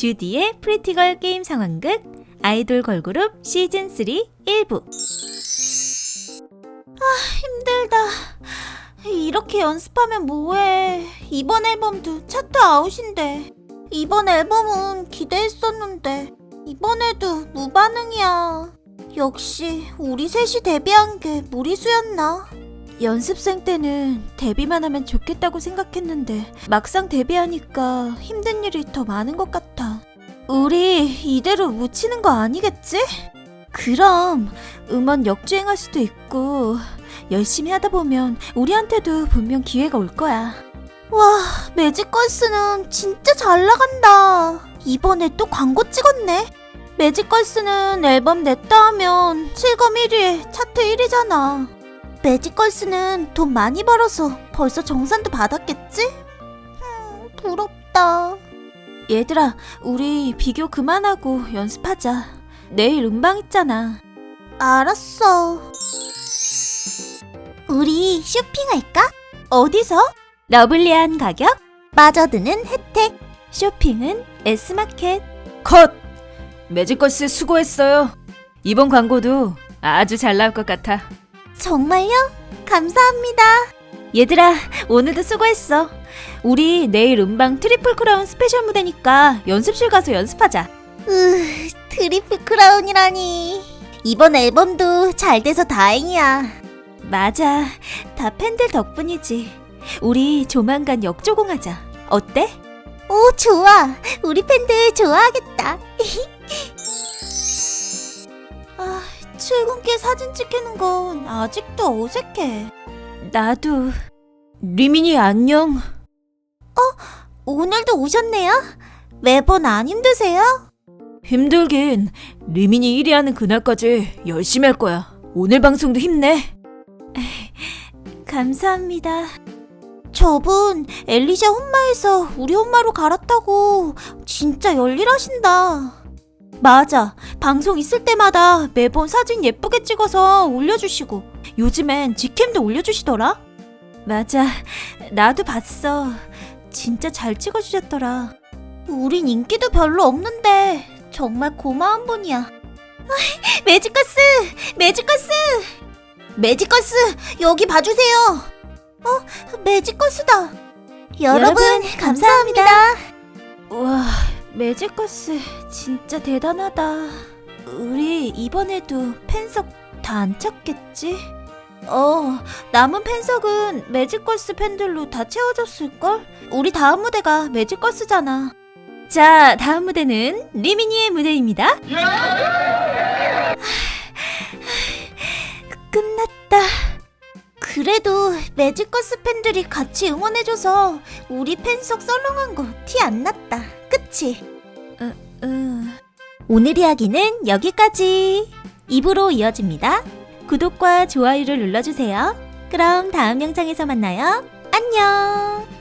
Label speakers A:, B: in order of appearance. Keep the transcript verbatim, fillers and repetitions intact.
A: 주디의 프리티걸 게임 상황극 아이돌 걸그룹 시즌 삼 일 부.
B: 아, 힘들다. 이렇게 연습하면 뭐해. 이번 앨범도 차트 아웃인데. 이번 앨범은 기대했었는데 이번에도 무반응이야. 역시 우리 셋이 데뷔한 게 무리수였나?
A: 연습생 때는 데뷔만 하면 좋겠다고 생각했는데 막상 데뷔하니까 힘든 일이 더 많은 것 같아. 우리 이대로 묻히는 거 아니겠지? 그럼 음원 역주행할 수도 있고 열심히 하다 보면 우리한테도 분명 기회가 올 거야.
B: 와, 매직걸스는 진짜 잘 나간다. 이번에 또 광고 찍었네. 매직걸스는 앨범 냈다 하면 실검 일 위에 차트 일 위잖아. 매직걸스는 돈 많이 벌어서 벌써 정산도 받았겠지? 음, 부럽다.
A: 얘들아, 우리 비교 그만하고 연습하자. 내일 음방 있잖아.
B: 알았어. 우리 쇼핑할까?
A: 어디서? 러블리한 가격?
B: 마저 드는 혜택.
A: 쇼핑은 S마켓.
C: 컷! 매직걸스 수고했어요. 이번 광고도 아주 잘 나올 것 같아.
B: 정말요? 감사합니다.
A: 얘들아, 오늘도 수고했어. 우리 내일 음방 트리플 크라운 스페셜 무대니까 연습실 가서 연습하자.
B: 으, 트리플 크라운이라니. 이번 앨범도 잘 돼서 다행이야.
A: 맞아, 다 팬들 덕분이지. 우리 조만간 역조공하자. 어때?
B: 오, 좋아. 우리 팬들 좋아하겠다. 아, 출근길 사진 찍히는 건 아직도 어색해.
A: 나도. 리민이 안녕.
B: 오늘도 오셨네요? 매번 안 힘드세요?
C: 힘들긴. 리민이 일 위 하는 그날까지 열심히 할 거야. 오늘 방송도 힘내.
A: 감사합니다.
B: 저분 엘리샤 혼마에서 우리 혼마로 갈았다고. 진짜 열일하신다.
A: 맞아, 방송 있을 때마다 매번 사진 예쁘게 찍어서 올려주시고 요즘엔 직캠도 올려주시더라. 맞아, 나도 봤어. 진짜 잘 찍어주셨더라.
B: 우린 인기도 별로 없는데 정말 고마운 분이야. 매직걸스! 매직걸스! 매직걸스! 여기 봐주세요. 어? 매직걸스다. 여러분,
A: 여러분,
B: 감사합니다.
A: 와, 매직걸스 진짜 대단하다. 우리 이번에도 팬석 다 안 찼겠지? 어, 남은 팬석은 매직걸스 팬들로 다 채워졌을걸? 우리 다음 무대가 매직걸스잖아. 자, 다음 무대는 리미니의 무대입니다. 끝났다.
B: 그래도 매직걸스 팬들이 같이 응원해줘서 우리 팬석 썰렁한 거 티 안 났다. 그치?
A: 어, 어.
B: 오늘 이야기는 여기까지.
A: 이 부로 이어집니다. 구독과 좋아요를 눌러주세요. 그럼 다음 영상에서 만나요. 안녕.